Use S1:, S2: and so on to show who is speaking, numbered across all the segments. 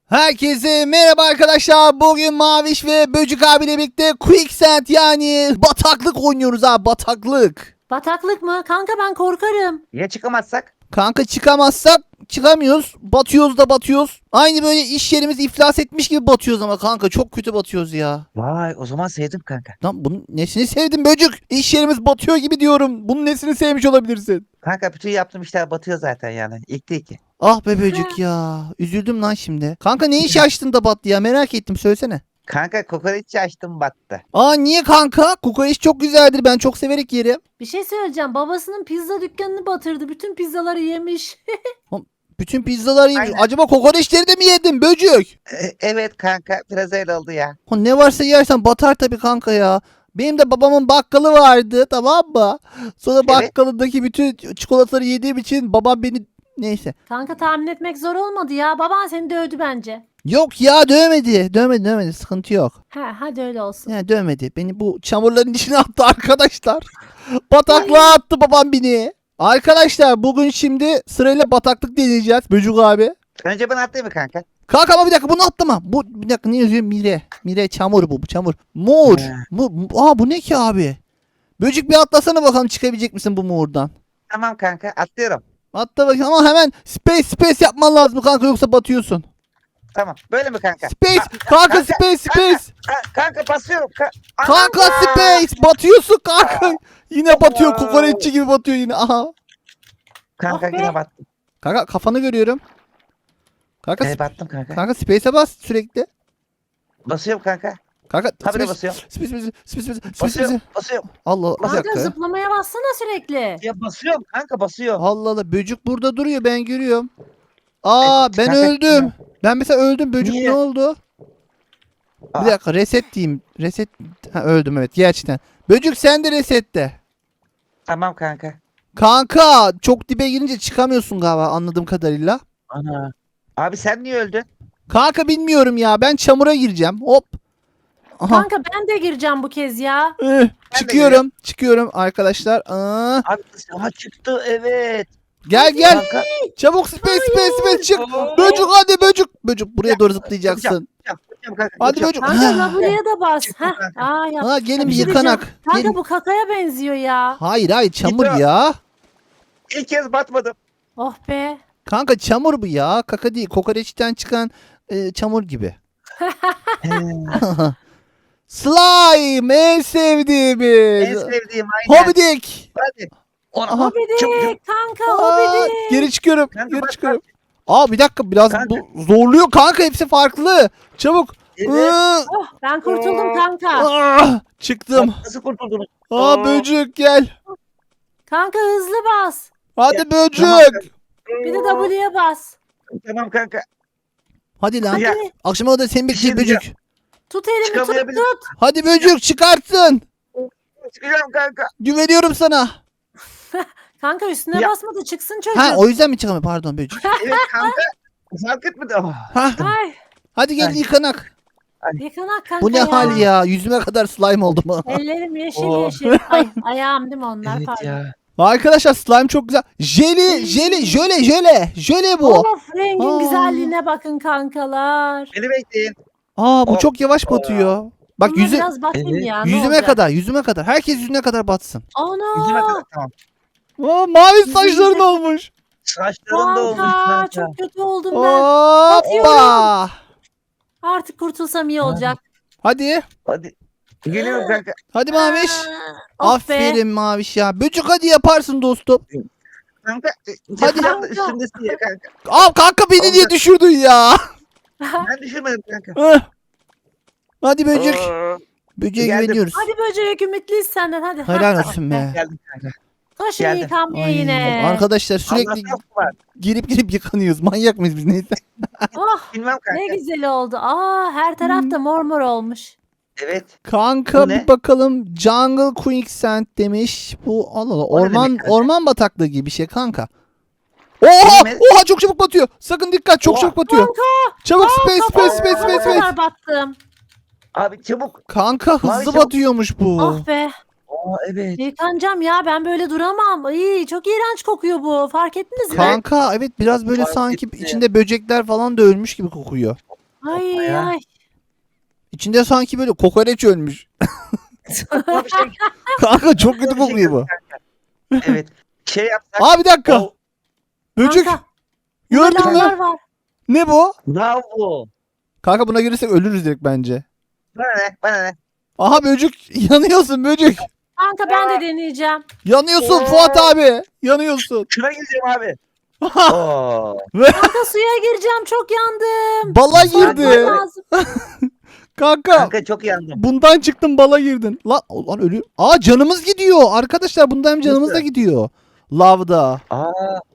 S1: Herkese merhaba arkadaşlar. Bugün Maviş ve Böcük abiyle birlikte Quicksand yani bataklık oynuyoruz abi, bataklık.
S2: Bataklık mı? Kanka ben korkarım.
S3: Ya çıkamazsak?
S1: Kanka çıkamazsak çıkamıyoruz. Batıyoruz da batıyoruz. Aynı böyle iş yerimiz iflas etmiş gibi batıyoruz ama kanka çok kötü batıyoruz ya.
S3: Vay, o zaman sevdim kanka.
S1: Lan bunun nesini sevdin Böcük? İş yerimiz batıyor gibi diyorum. Bunun nesini sevmiş olabilirsin?
S3: Kanka bütün yaptığım işler batıyor zaten yani. İlk değil ki.
S1: Ah be Böcük ya. Üzüldüm lan şimdi. Kanka ne iş açtın da battı ya, merak ettim, söylesene.
S3: Kanka kokoreççi açtım, battı.
S1: Aa niye kanka? Kokoreç çok güzeldir. Ben çok severek yerim.
S2: Bir şey söyleyeceğim. Babasının pizza dükkanını batırdı. Bütün pizzaları yemiş.
S1: Bütün pizzaları yemiş.
S3: Aynen.
S1: Acaba kokoreçleri de mi yedin Böcük?
S3: Evet kanka, biraz öyle oldu ya.
S1: Ha, ne varsa yersen batar tabii kanka ya. Benim de babamın bakkalı vardı, tamam mı? Sonra
S3: Evet.
S1: bakkalındaki bütün çikolataları yediğim için babam beni... Neyse.
S2: Kanka tahmin etmek zor olmadı ya. Baban seni dövdü bence.
S1: Yok ya, dövmedi. Dövmedi. Sıkıntı yok.
S2: He hadi öyle olsun.
S1: Yani dövmedi. Beni bu çamurların içine attı arkadaşlar. Bataklığa attı babam beni. Arkadaşlar bugün şimdi sırayla bataklık deneyeceğiz Böcük abi.
S3: Önce ben atlayayım mı kanka?
S1: Kanka ama bir dakika, bunu atlama. Bu bir dakika, ne yazıyor? Mire. Mire çamur bu çamur. Mor.
S3: He.
S1: Bu ne ki abi? Böcük bir atlasana bakalım, çıkabilecek misin bu mordan?
S3: Tamam kanka, atlıyorum.
S1: Atla bakayım ama hemen space yapman lazım kanka, yoksa batıyorsun.
S3: Tamam, böyle mi kanka?
S1: Space kanka, space.
S3: Kanka basıyorum.
S1: Kanka space, batıyorsun kanka. Yine batıyor, kokoreççi gibi batıyor yine. Aha.
S3: Kanka
S2: Ah be.
S3: yine battım.
S1: Kanka kafanı görüyorum. Kanka
S3: Battım kanka.
S1: kanka space'e bas sürekli.
S3: Basıyorum kanka.
S1: Kanka
S3: Habire basıyorum.
S1: space.
S3: Basıyorum.
S1: Allah bir
S2: Kanka
S1: dakika.
S2: zıplamaya bassana sürekli.
S3: Ya basıyorum kanka, basıyorum.
S1: Allah Allah, böcük burada duruyor, ben görüyorum. Aa
S3: Evet,
S1: ben
S3: kanka,
S1: öldüm. Ben mesela öldüm, böcük
S3: Niye?
S1: ne oldu?
S3: Aa.
S1: Bir dakika, reset diyeyim. Reset. Ha, öldüm evet gerçekten. Böcük sen de resette.
S3: Tamam kanka.
S1: Kanka çok dibe girince çıkamıyorsun galiba, anladığım kadarıyla.
S3: Ana. Abi sen niye öldün?
S1: Kanka bilmiyorum ya, ben çamura gireceğim. Hop. Aha.
S2: Kanka ben de gireceğim bu kez ya.
S1: Çıkıyorum arkadaşlar.
S3: Abi ama çıktı, evet.
S1: Gel
S3: Kanka.
S1: çabuk, space çık.
S3: Oo.
S1: Böcük hadi böcük buraya doğru zıplayacaksın.
S3: Yapacağım kanka.
S1: Hadi
S3: yapacağım.
S1: böcük.
S2: Kanka
S1: Ha.
S2: labuya da bas.
S3: Çıktı
S2: Heh.
S3: kanka.
S2: Aa yap.
S1: Ha gelin
S2: Bir
S1: bir
S2: şey
S1: yıkanak.
S2: diyeceğim. Kanka
S1: Gelin.
S2: bu kakaya benziyor ya.
S1: Hayır çamur
S3: Gidiyor.
S1: ya.
S3: İlk kez batmadım.
S2: Oh be.
S1: Kanka çamur bu ya. Kaka değil. Kokoreçten çıkan çamur gibi. Slime en sevdiğimiz.
S3: En sevdiğim aynen.
S1: Hobidik.
S3: Hadi. Ona
S1: Aha.
S2: Hobidik kanka
S1: Aa,
S2: hobidik.
S1: geri çıkıyorum.
S3: Kanka
S1: Geri
S3: bak,
S1: çıkıyorum. Aa bir dakika, biraz
S3: Kanka.
S1: bu zorluyor kanka, hepsi farklı. Çabuk.
S3: Evet.
S1: Iı,
S2: Oh ben kurtuldum kanka.
S1: çıktım.
S3: Nasıl kurtuldunuz?
S1: Aa böcük gel.
S2: Kanka hızlı bas.
S1: Hadi
S3: Ya,
S1: böcük.
S3: tamam.
S2: Bir de W'ye bas.
S3: Tamam kanka.
S1: Hadi lan.
S3: Ya,
S2: Hadi
S1: Akşama da seni
S3: Bir şey
S1: bekleyeceğim böcük.
S2: tut elimi tut
S3: çıkamayabilirim.
S2: tut.
S1: Hadi böcük çıkartsın.
S3: Çıkacağım kanka.
S1: Güveniyorum sana.
S2: Kanka üstüne
S3: Ya.
S2: basma da çıksın çocuk.
S1: Ha o yüzden mi çıkamıyor? Pardon böcük.
S3: Evet kanka. Fark etmedi. Oh.
S1: Ha.
S2: Ay
S1: Hadi gel
S3: Ay.
S1: yıkanak.
S2: yıkanak kanka
S1: Bu ne hal ya? Yüzüme kadar slime oldu mu?
S2: Ellerim yeşil
S3: Oh.
S2: yeşil. Ay ayağım değil mi onlar
S3: Evet
S2: pardon.
S3: ya.
S1: Arkadaşlar slime çok güzel. Jöle bu.
S2: Of rengin
S1: Aa.
S2: güzelliğine bakın kankalar.
S3: Beni bekleyin.
S1: Aa bu
S3: Oh.
S1: çok yavaş batıyor. Bak
S2: Buna
S1: yüzü
S2: biraz batayım
S3: Evet.
S2: ya. ne
S1: yüzüme
S2: olacak?
S1: kadar, yüzüme kadar. Herkes yüzüne kadar batsın.
S3: Yüzüme
S2: Ana.
S3: kadar, tamam.
S1: Aa mavi saçların olmuş.
S3: Saçlarım da olmuş
S2: Kanka
S3: kanka.
S2: çok kötü oldum ben.
S1: Hoppa.
S2: Artık kurtulsam iyi olacak.
S1: Hadi.
S3: Hadi. Geliyorum kanka.
S1: Hadi Maviş.
S2: Oh be.
S1: Aferin Maviş ya. Böcük hadi yaparsın dostum.
S3: Kanka.
S1: Hadi.
S3: Hadi. Üstündesin ya kanka.
S1: Al kanka, beni niye düşürdün ya?
S3: Ben düşürmedim kanka.
S1: Heh. Hadi böcük.
S3: Oo.
S1: Böceğe
S3: Geldim.
S1: güveniyoruz.
S2: Hadi böcek ümitliyiz senden hadi.
S1: Helal olsun be.
S3: Geldim kanka.
S2: Taşı
S3: Geldim.
S2: yıkanmaya
S1: Ay,
S2: yine.
S1: arkadaşlar sürekli
S3: Allah'tan var.
S1: girip yıkanıyoruz. Manyak mıyız biz, neyse.
S2: Oh
S3: Bilmem kanka.
S2: ne güzel oldu. Aa her tarafta mor mor olmuş.
S3: Evet.
S1: Kanka
S3: Bu ne?
S1: bir bakalım, Jungle Quicksand demiş. Bu Allah Allah,
S3: O ne
S1: orman
S3: demek kanka?
S1: orman bataklığı gibi bir şey kanka. Oha!
S3: Bilmez-
S1: Oha çok çabuk batıyor. Sakın dikkat, çok
S3: Oha.
S1: çabuk batıyor. Çabuk space.
S2: Ne kadar battım.
S3: Abi çabuk.
S1: Kanka hızlı
S3: Mavi çabuk.
S1: batıyormuş bu.
S2: Ah be.
S3: Aa evet.
S2: Yıkanacağım ya ben böyle duramam. Ay, çok iğrenç kokuyor bu. Fark ettiniz mi?
S1: Kanka evet, biraz böyle
S3: Fark
S1: sanki
S3: etti.
S1: içinde böcekler falan da ölmüş gibi kokuyor.
S2: Ay
S3: ya.
S2: ay.
S1: İçinde sanki böyle kokoreç ölmüş.
S3: Aklıma bir şey,
S1: Kanka çok kötü
S3: aklıma bir şey
S1: kokuyor bu.
S3: geldi. Evet. Şey yapsak.
S1: Aa bir dakika.
S3: O,
S1: Böcek.
S2: Kanka,
S1: Gördün
S2: burada lavlar
S1: mü?
S2: var.
S1: Ne bu?
S3: bravo.
S1: Kanka buna girsek ölürüz direkt bence.
S3: Bana ne? Bana ne?
S1: Aha böcek. Yanıyorsun böcek.
S2: Kanka ben de deneyeceğim.
S1: Yanıyorsun
S3: Oo.
S1: Fuat abi. Yanıyorsun.
S3: Şuna gireceğim abi. Oo.
S2: Kanka suya gireceğim, çok yandım.
S1: Bala
S2: Soğutmam
S1: girdi.
S2: lazım.
S1: Kanka.
S3: Kanka çok yandım.
S1: Bundan çıktın bala girdin. Lan ölüyor. Aa canımız gidiyor. Arkadaşlar bundan hem canımız da
S3: Nasıl?
S1: gidiyor. Lavda.
S3: Aa.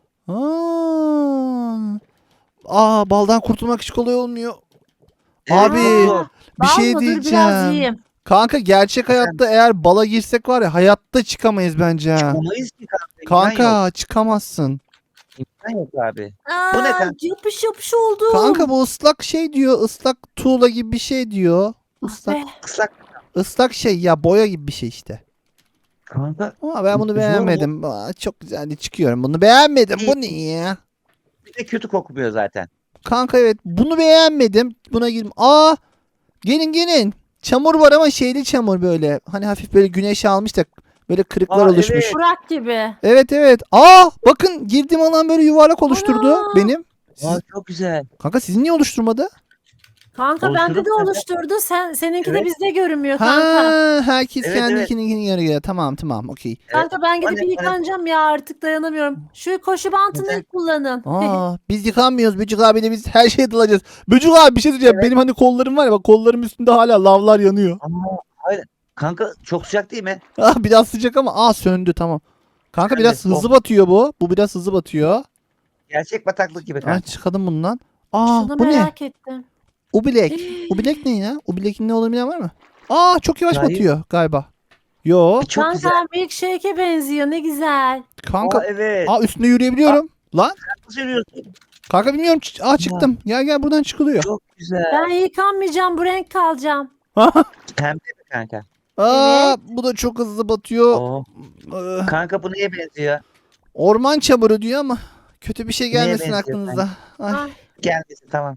S1: Aa baldan kurtulmak hiç kolay olmuyor.
S3: Evet,
S1: Abi,
S3: çok zor.
S1: Bir
S2: Bal
S1: şey
S2: mı? Dur biraz
S1: diyeceğim.
S2: yiyeyim.
S1: Kanka gerçek hayatta eğer bala girsek var ya hayatta çıkamayız bence ha.
S3: Çıkamayız ki kanka. İmkan yok.
S1: Kanka çıkamazsın.
S3: İmkan yok abi.
S2: Aa,
S3: Bu ne kanka?
S2: yapış yapış oldu.
S1: Kanka bu ıslak şey diyor. Islak tuğla gibi bir şey diyor. Islak,
S2: Be.
S3: Islak.
S1: ıslak şey ya boya gibi bir şey işte.
S3: Kanka.
S1: Ama ben bunu
S3: Zor mu?
S1: beğenmedim. Aa, çok güzeldi çıkıyorum. Bunu beğenmedim. Bu ne ya?
S3: Bir de kötü kokmuyor zaten.
S1: Kanka evet bunu beğenmedim. Buna girdim. Aa gelin. Çamur var ama şeyli çamur böyle. Hani hafif böyle güneş almış da böyle kırıklar
S3: Aa,
S1: oluşmuş.
S3: evet.
S2: Burak gibi.
S1: Evet. Aa bakın girdiğim alan böyle yuvarlak oluşturdu
S2: Ana.
S1: benim.
S3: Aa, çok güzel.
S1: Kanka sizin niye oluşturmadı?
S2: Kanka bende
S3: Oluşturup
S2: de
S3: kanka.
S2: oluşturdu. Seninki de
S3: Evet.
S2: bizde görünmüyor
S1: Ha
S2: kanka.
S1: herkes
S3: Evet,
S1: kendikini göre. Tamam okey.
S2: Kanka ben gidip
S3: Bana-
S2: yıkanacağım ya, artık dayanamıyorum. Şu koşu bantını
S3: Neden?
S2: kullanın.
S1: Aa biz yıkanmıyoruz Böcük abiyle biz her şeye dalacağız. Böcük abi bir şey diyeceğim.
S3: Evet.
S1: Benim hani kollarım var ya bak kollarım üstünde hala lavlar yanıyor.
S3: Ama hayır. Kanka çok sıcak değil mi?
S1: Ah biraz sıcak ama söndü tamam. Kanka biraz
S3: Söndü,
S1: hızlı batıyor bu. Bu biraz hızlı batıyor.
S3: Gerçek bataklık gibi
S1: Ay
S3: kanka.
S1: çıkalım bundan. Aa
S2: Şunu
S1: bu ne?
S2: merak ettim.
S1: Ubilek. Ubilek ne ya? Ubilek'in ne olduğunu bilen var mı? Aa çok yavaş
S3: Hayır.
S1: batıyor galiba. Yo.
S3: Çok
S2: Kanka
S3: güzel.
S2: milkshake'e benziyor, ne güzel.
S1: Kanka.
S3: Aa, evet.
S1: Üstünde yürüyebiliyorum. Lan.
S3: Nasıl yürüyorsun?
S1: Kanka bilmiyorum. Çıktım. Gel buradan çıkılıyor.
S3: Çok güzel.
S2: Ben yıkanmayacağım, bu renk kalacağım.
S3: Pembe mi kanka?
S1: Bu da çok hızlı batıyor.
S3: Oo.
S1: Ee,
S3: Kanka bu neye benziyor?
S1: Orman çamuru diyor ama kötü bir şey
S3: Neye
S1: gelmesin
S3: benziyor
S1: aklınıza. Ay.
S2: Ay,
S3: Gelmesin tamam.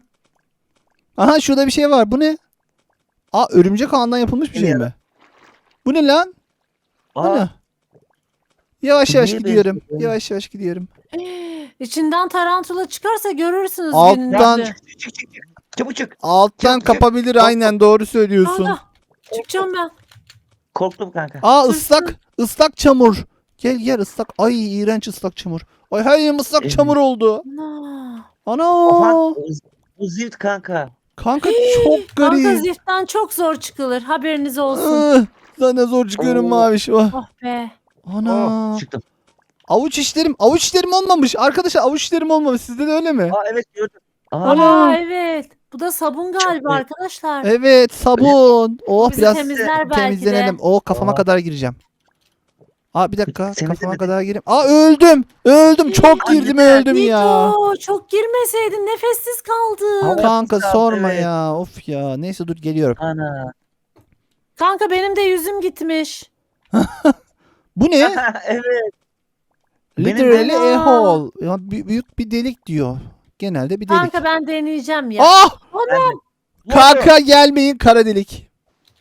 S1: Aha şurada bir şey var. Bu ne? Örümcek ağından yapılmış bir şey
S3: Bilmiyorum.
S1: mi? Bu ne lan? Bu
S3: Aa,
S1: ne? Yavaş
S3: Bu
S1: yavaş
S3: neye
S1: gidiyorum.
S3: benziyor?
S1: Yavaş gidiyorum.
S2: İçinden tarantula çıkarsa görürsünüz
S1: Alttan-
S2: gününüzü.
S3: çık. Çabuk çık.
S1: Alttan
S3: Çok güzel.
S1: kapabilir
S3: Çok-
S1: aynen doğru söylüyorsun.
S2: Kanka çıkacağım ben.
S3: Korktum kanka.
S1: Islak çamur. Gel ıslak. Ay iğrenç ıslak çamur. Ay her yerim ıslak
S3: Evet.
S1: çamur oldu.
S2: Ana.
S1: Ana.
S3: Oha, bu zift kanka.
S1: Kanka çok
S2: Kanka
S1: garip.
S2: ziftten çok zor çıkılır, haberiniz olsun.
S1: Sana zor çıkıyorum
S3: Oo.
S1: maviş. Oh.
S2: Oh be.
S1: Ana.
S3: Çıktım.
S1: Avuç işlerim olmamış. Arkadaşlar avuç işlerim olmamış. Sizde de öyle mi?
S3: Aa evet gördüm. Aa,
S1: Ana.
S2: Aa evet. Bu da sabun galiba
S3: iyi.
S2: arkadaşlar.
S1: Evet sabun. Oh
S2: Bizi
S1: biraz
S2: temizler belki
S1: temizlenelim.
S2: de.
S1: Kafama
S3: Aa.
S1: kadar gireceğim. Bir dakika
S3: Temizle
S1: kafama
S3: dedi.
S1: kadar gireyim. Öldüm. Çok
S3: Ay,
S1: girdim
S3: yeter.
S1: öldüm ya.
S2: Niko çok girmeseydin, nefessiz kaldın.
S3: Hava-
S1: Kanka
S3: Sağ ol,
S1: sorma
S3: evet.
S1: ya. Of ya. Neyse dur geliyorum.
S3: Ana.
S2: Kanka benim de yüzüm gitmiş.
S1: Bu ne?
S3: Evet. Benim
S1: Literally
S2: de-
S1: a hole. Ya, büyük bir delik diyor. Genelde bir delik.
S2: Kanka ben deneyeceğim ya.
S3: Ben-
S1: Kanka gelmeyin kara delik.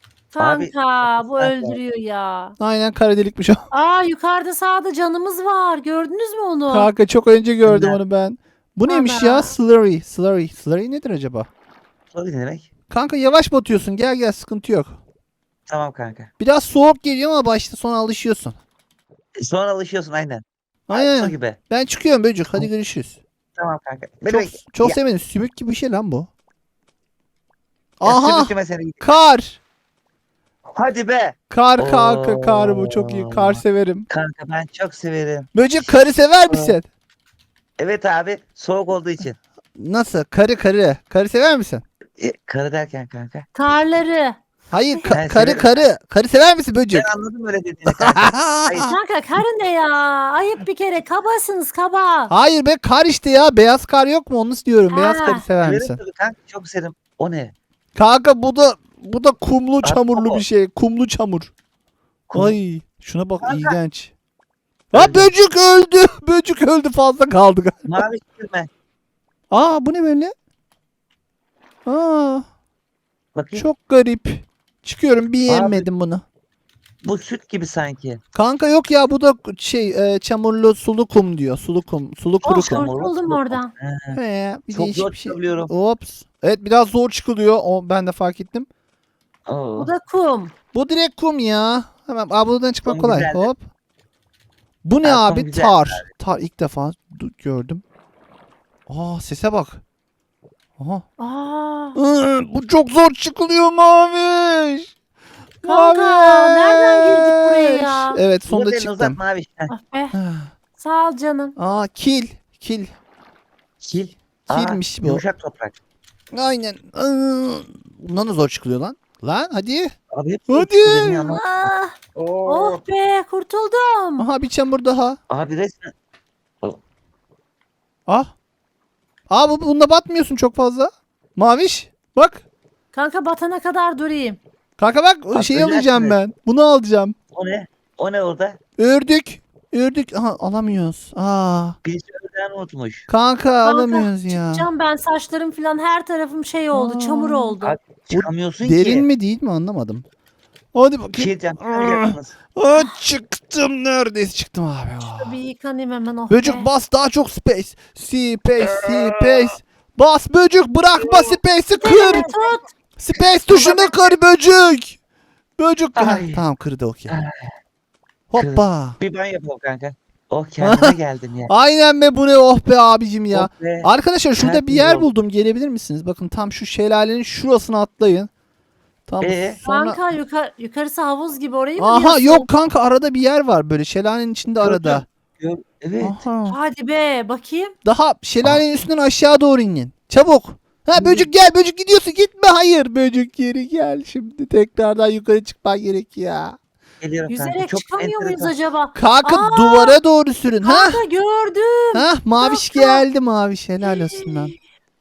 S2: Kanka bu
S3: Kanka.
S2: öldürüyor ya.
S1: Aynen kara delikmiş o.
S2: Yukarıda sağda canımız var. Gördünüz mü onu?
S1: Kanka çok önce gördüm
S3: Ana.
S1: onu ben. Bu neymiş
S2: Ana.
S1: ya? Slurry. Slurry nedir acaba?
S3: O ne demek?
S1: Kanka yavaş batıyorsun. Gel sıkıntı yok.
S3: Tamam kanka.
S1: Biraz soğuk geliyor ama başta sonra alışıyorsun.
S3: Sonra alışıyorsun aynen. Su
S1: Aynen.
S3: gibi.
S1: Ben çıkıyorum böcek. Hadi görüşürüz.
S3: Tamam kanka. Beni
S1: Çok,
S3: bekle.
S1: çok
S3: Ya,
S1: sevindim. Sümük gibi bir şey lan bu.
S3: ya,
S1: Aha.
S3: sümüklüme seni gidiyor.
S1: Kar.
S3: Hadi be.
S1: Kar kanka kar bu. Çok iyi. Kar
S3: Oo.
S1: severim.
S3: Kanka ben çok severim.
S1: Böcek karı sever misin?
S3: Evet abi soğuk olduğu için.
S1: Nasıl? Karı. Karı sever misin?
S3: Karı derken kanka.
S2: Karları.
S1: Hayır
S3: Ben
S1: karı
S3: severim.
S1: karı. Karı sever misin böcek?
S3: Ben anladım öyle dediğini kanka. Hayır.
S2: Kanka karı ne ya? Ayıp bir kere. Kabasınız kaba.
S1: Hayır be kar işte ya. Beyaz kar yok mu? Onu diyorum. Beyaz
S2: Ha.
S1: karı sever
S3: Severim
S1: misin?
S3: tabii kanka çok severim. O ne?
S1: Kanka bu da kumlu çamurlu
S3: o.
S1: bir şey. Kumlu çamur.
S3: Kum-
S1: Ay şuna bak
S3: Kanka.
S1: iğrenç.
S3: Öldü.
S1: Böcek öldü. Böcek öldü fazla kaldı.
S3: Mavi sürme.
S1: Bu ne böyle?
S3: Bakayım.
S1: Çok garip. Çıkıyorum beğenmedim bunu.
S3: Bu süt gibi sanki.
S1: Kanka yok ya bu da çamurlu sulu kum diyor. Sulu kum. Sulu kuru
S2: Oh,
S1: kum.
S2: kurtuldum oradan.
S1: He, bir
S3: Çok
S1: değişik
S3: zor
S1: bir şey.
S3: çıkabiliyorum.
S1: Ops. Evet biraz zor çıkılıyor. O ben de fark ettim.
S3: Oo.
S2: Bu da kum.
S1: Bu direkt kum ya. Hemen buradan çıkmak
S3: Kum
S1: kolay.
S3: güzeldi.
S1: Hop. Bu ne
S3: Ha, kum
S1: abi?
S3: güzeldi
S1: Tar. Tar ilk defa gördüm. Aa sese bak. Aha.
S2: Aa.
S1: Bu çok zor çıkılıyor Maviş.
S2: Kanka nereden girdik buraya ya?
S1: Evet
S3: Dur
S1: sonunda
S3: elini uzat
S1: çıktım.
S3: Maviş. Heh,
S2: Ah be. Sağ ol canım.
S1: Aa kil. Kil.
S3: Kil.
S1: Kilmiş bu.
S3: Yumuşak toprak.
S1: Aynen. Bundan da zor çıkılıyor lan. Lan hadi.
S3: Abi hep
S1: Hadi.
S3: çıkıyor ya ama.
S2: Ah,
S3: Oo.
S2: oh be kurtuldum.
S1: Aha bir çamur daha.
S3: Abi resmen.
S1: Ah. Aa bunda batmıyorsun çok fazla. Maviş. Bak.
S2: Kanka batana kadar durayım.
S1: Kanka bak
S3: Bak,
S1: şeyi alacağım
S3: öleceksin.
S1: ben. Bunu alacağım.
S3: O ne? O ne orada?
S1: Ördük. Ördük. Aha alamıyoruz. Aa.
S3: Birisi öldüğünü unutmuş.
S1: Kanka alamıyoruz ya.
S2: Çıkacağım ben, saçlarım falan her tarafım şey oldu,
S1: Aa.
S2: çamur oldu.
S3: Abi çıkamıyorsun
S1: Derin
S3: ki.
S1: mi değil mi anlamadım. Hadi
S3: Bir
S1: bakayım.
S3: şey diyeceğim. Çıkamayacaksınız.
S1: Çıktım neredeyse çıktım abi.
S2: Bir yıkanayım hemen, oh
S1: Böcük
S2: be.
S1: bas daha çok space. Space. Bas böcük bırakma space'i kır.
S2: Elimi tut.
S1: Space tuşunu kır böcük. Böcük.
S3: Ay.
S1: Tamam kırdı okey. Hoppa.
S3: Bir ben yapalım kanka. Oh kendime geldim ya.
S1: Aynen be bu ne oh be abicim ya.
S3: Oh be.
S1: Arkadaşlar şurada bir
S3: Tertemiz
S1: yer
S3: oldu.
S1: buldum. Gelebilir misiniz? Bakın tam şu şelalenin şurasına atlayın. Tamam. Sonra...
S2: Kanka yukarısı havuz gibi, orayı mı
S1: Aha
S2: diyorsun?
S1: yok kanka arada bir yer var böyle şelalenin içinde arada.
S3: Evet.
S1: Aha.
S2: Hadi be bakayım.
S1: Daha şelalenin üstünden aşağı doğru inin. Çabuk. Ha böcük gel böcük gidiyorsun gitme hayır böcük geri gel şimdi tekrardan yukarı çıkman gerek ya.
S3: Geliyorum kanka.
S2: Yüzerek
S3: Çok
S2: çıkamıyor muyuz
S3: enteresan.
S2: acaba?
S1: Kanka
S2: Aa!
S1: duvara doğru sürün ha.
S2: Kanka gördüm.
S1: Ha maviş
S2: Kanka.
S1: geldi maviş helal olsun lan.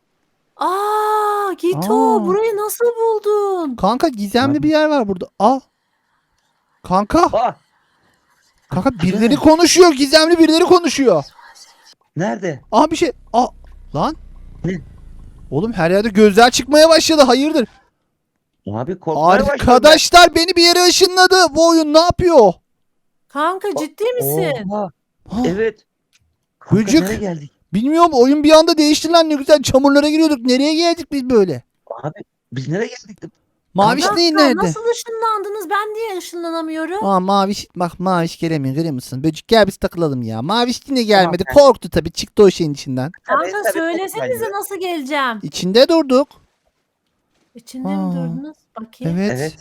S2: Aa Gito,
S1: Aa.
S2: burayı nasıl buldun?
S1: Kanka gizemli bir yer var burada. Al. Kanka.
S3: Ah,
S1: Kanka birileri konuşuyor gizemli birileri konuşuyor.
S3: nerede?
S1: Aha bir şey. Lan.
S3: Ne?
S1: Oğlum her yerde gözler çıkmaya başladı hayırdır.
S3: Abi korkmaya başladım.
S1: Arkadaşlar beni bir yere ışınladı. Bu oyun ne yapıyor?
S2: Kanka ciddi misin?
S3: Oha,
S1: Ha,
S3: evet. Kanka,
S1: Böcük.
S3: nereye geldik?
S1: Bilmiyorum oyun bir anda değişti lan ne güzel çamurlara giriyorduk. Nereye geldik biz böyle?
S3: Abi biz nereye geldik?
S1: Maviş
S2: Kanka,
S1: değil nerede?
S2: nasıl ışınlandınız? Ben niye ışınlanamıyorum?
S1: Maviş bak maviş gelemiyor görüyor musun? Böcük gel biz takılalım ya. Maviş yine gelmedi.
S3: Tamam,
S1: Korktu tabii çıktı o şeyin içinden.
S2: Kanka
S3: Tabii,
S2: söylesenize
S3: tabii.
S2: nasıl geleceğim?
S1: İçinde durduk.
S2: İçinde mi
S1: Aa,
S2: durdunuz? Bakayım.
S1: Evet.
S3: Evet.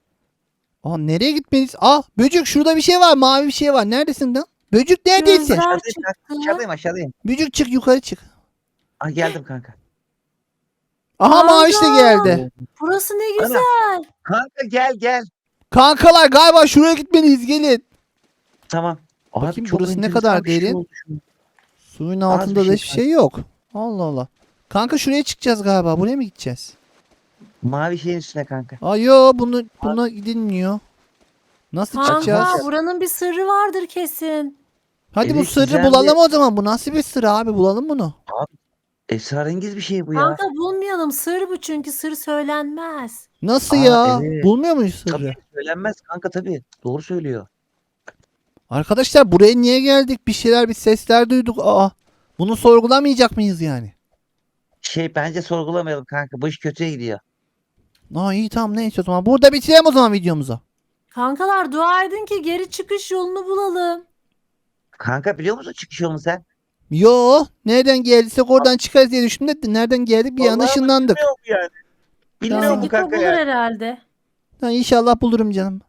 S1: Nereye gitmeliyiz? Böcük şurada bir şey var. Mavi bir şey var. Neredesin lan? Böcük neredesin?
S2: Gözler
S3: Aşağıdayım,
S2: çıktı.
S3: aşağıdayım.
S1: Böcük çık yukarı çık.
S3: Ah geldim kanka.
S1: Aha
S2: Kanka.
S1: maviş de geldi.
S2: Burası ne
S3: Ana.
S2: güzel.
S3: Kanka gel.
S1: Kankalar galiba şuraya gitmeliyiz gelin.
S3: Tamam.
S1: Bakayım
S3: çok
S1: burası ne
S3: enteresan
S1: kadar
S3: bir şey
S1: derin?
S3: oldu şu an.
S1: Suyun
S3: Az
S1: altında
S3: bir
S1: da
S3: şey
S1: hiçbir şey yok. Allah Allah. Kanka şuraya çıkacağız galiba. Buraya mı gideceğiz?
S3: Mavi şeyin üstüne kanka.
S1: Yo buna gidilmiyor. Nasıl çıkacağız?
S2: Kanka buranın bir sırrı vardır kesin.
S1: Hadi bu
S3: Evet,
S1: sırrı
S3: güzel
S1: bulalım o zaman. Bu nasıl bir sır abi? Bulalım bunu.
S3: Esrarengiz bir şey bu ya.
S2: Kanka bulmayalım, sır bu, çünkü sır söylenmez.
S1: Nasıl
S3: Aa,
S1: ya?
S3: evet.
S1: Bulmuyor muyuz sırrı?
S3: Tabii söylenmez kanka tabii. Doğru söylüyor.
S1: Arkadaşlar buraya niye geldik? Bir sesler duyduk. Bunu sorgulamayacak mıyız yani?
S3: Bence sorgulamayalım kanka. Bu iş kötüye gidiyor.
S1: İyi tamam neyse o zaman. Burada bitirelim o zaman videomuzu.
S2: Kankalar dua edin ki geri çıkış yolunu bulalım.
S3: Kanka biliyor musun çıkış yolunu sen?
S1: Yo nereden geldiysek oradan çıkarız diye düşündüm de nereden geldik bir anda
S3: Vallahi
S1: ışınlandık.
S3: Bilmiyorum yani. Bilmiyorum
S1: Tamam.
S3: bu
S2: Gito
S3: kanka
S2: bulur
S3: ya.
S2: herhalde.
S1: İnşallah bulurum canım.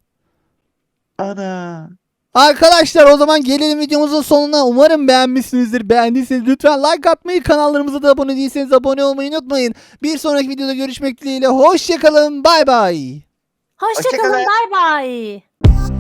S3: Ana.
S1: Arkadaşlar o zaman gelelim videomuzun sonuna. Umarım beğenmişsinizdir. Beğendiyseniz lütfen like atmayı, kanallarımıza da abone değilseniz abone olmayı unutmayın. Bir sonraki videoda görüşmek dileğiyle. Hoşçakalın. Bay bay.
S2: Hoşçakalın,
S3: Hoşça kalın.
S2: bay bay.